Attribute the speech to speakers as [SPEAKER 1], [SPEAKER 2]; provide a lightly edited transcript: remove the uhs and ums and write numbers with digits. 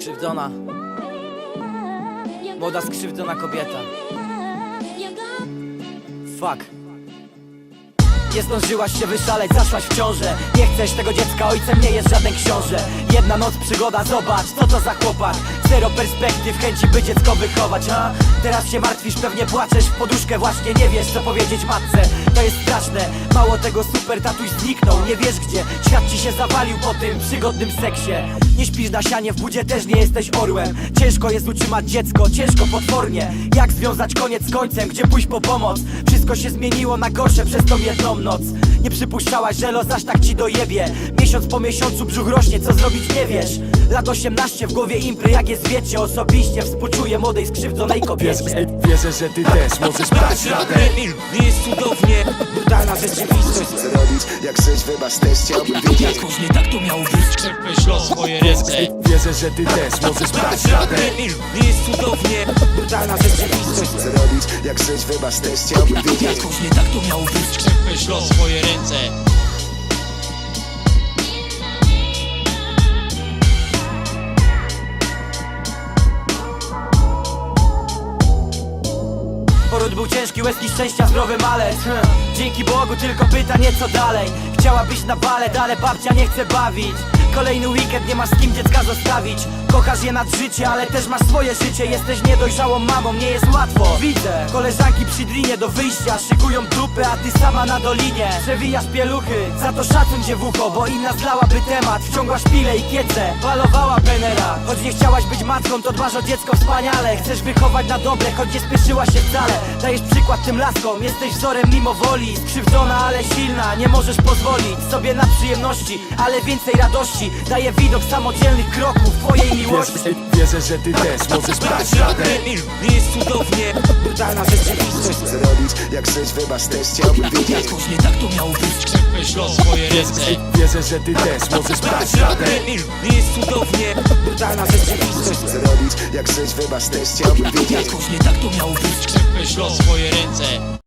[SPEAKER 1] Skrzywdzona, młoda skrzywdzona kobieta. Fuck. Nie zdążyłaś się wyszaleć, zaszłaś w ciążę. Nie chcesz tego dziecka, ojcem nie jest żaden książę. Jedna noc przygoda, zobacz, co to za chłopak. Zero perspektyw, chęci by dziecko wychować, a? Teraz się martwisz, pewnie płaczesz w poduszkę. Właśnie nie wiesz, co powiedzieć matce. To jest straszne, mało tego, super tatuś zniknął. Nie wiesz gdzie, świat ci się zawalił po tym przygodnym seksie. Nie śpisz na sianie, w budzie też nie jesteś orłem. Ciężko jest utrzymać dziecko, ciężko potwornie. Jak związać koniec z końcem, gdzie pójść po pomoc? Wszystko się zmieniło na gorsze przez tą jedną noc. Nie przypuszczałaś, że los aż tak ci dojebie. Miesiąc po miesiącu brzuch rośnie, co zrobić nie wiesz. Lat 18 w głowie impry, jak jest wiecie. Osobiście współczuję młodej skrzywdzonej kobiecie.
[SPEAKER 2] Wierzę, że ty też możesz dać radę.
[SPEAKER 3] Nie jest cudownie, brutalna rzeczywistość.
[SPEAKER 4] Co robić, jak żyć, wybacz, też chciałbym wiedzieć.
[SPEAKER 3] Jakoś nie tak to miało być. Czerpiesz los w swoje ręce.
[SPEAKER 2] Wierzę, że ty też możesz dać radę.
[SPEAKER 3] Nie jest cudownie, brutalna rzeczywistość.
[SPEAKER 4] Co robić, jak żyć, wybacz, też chciałbym wiedzieć.
[SPEAKER 3] Jakoś nie tak to miało być. Czerpiesz los w swoje ręce.
[SPEAKER 1] Poród był ciężki, łezki szczęścia, zdrowy malec. Dzięki Bogu tylko pytanie co dalej. Chciała być na balet, ale babcia nie chce bawić. Kolejny weekend, nie masz z kim dziecka zostawić. Kochasz je nad życie, ale też masz swoje życie. Jesteś niedojrzałą mamą, nie jest łatwo. Widzę, koleżanki przy drinie do wyjścia szykują dupy, a ty sama na dolinie przewijasz pieluchy, za to szacun cię w ucho, bo inna zlałaby temat. Wciągłaś pile i kiece, balowała penera. Choć nie chciałaś być matką, to dbasz o dziecko wspaniale. Chcesz wychować na dobre, choć nie spieszyłaś się wcale. Dajesz przykład tym laskom, jesteś wzorem mimo woli. Skrzywdzona, ale silna, nie możesz pozwolić sobie na przyjemności, ale więcej radości daje widok samodzielnych kroków twojej miłości.
[SPEAKER 2] Wierzę, że ty też możesz dać radę.
[SPEAKER 3] Nie jest cudownie, brutalna rzeczywistość.
[SPEAKER 4] Co robić, jak żyć, wybacz, też chciałbym wiedzieć.
[SPEAKER 3] Jakoś nie tak to miało być. Czerpiesz los w swoje ręce.
[SPEAKER 2] Wierzę, że ty też możesz dać radę.
[SPEAKER 3] Nie jest cudownie, brutalna rzeczywistość.
[SPEAKER 4] Co robić, jak żyć, wybacz, też chciałbym wiedzieć.
[SPEAKER 3] Jakoś nie tak to miało być. Czerpiesz los w swoje ręce.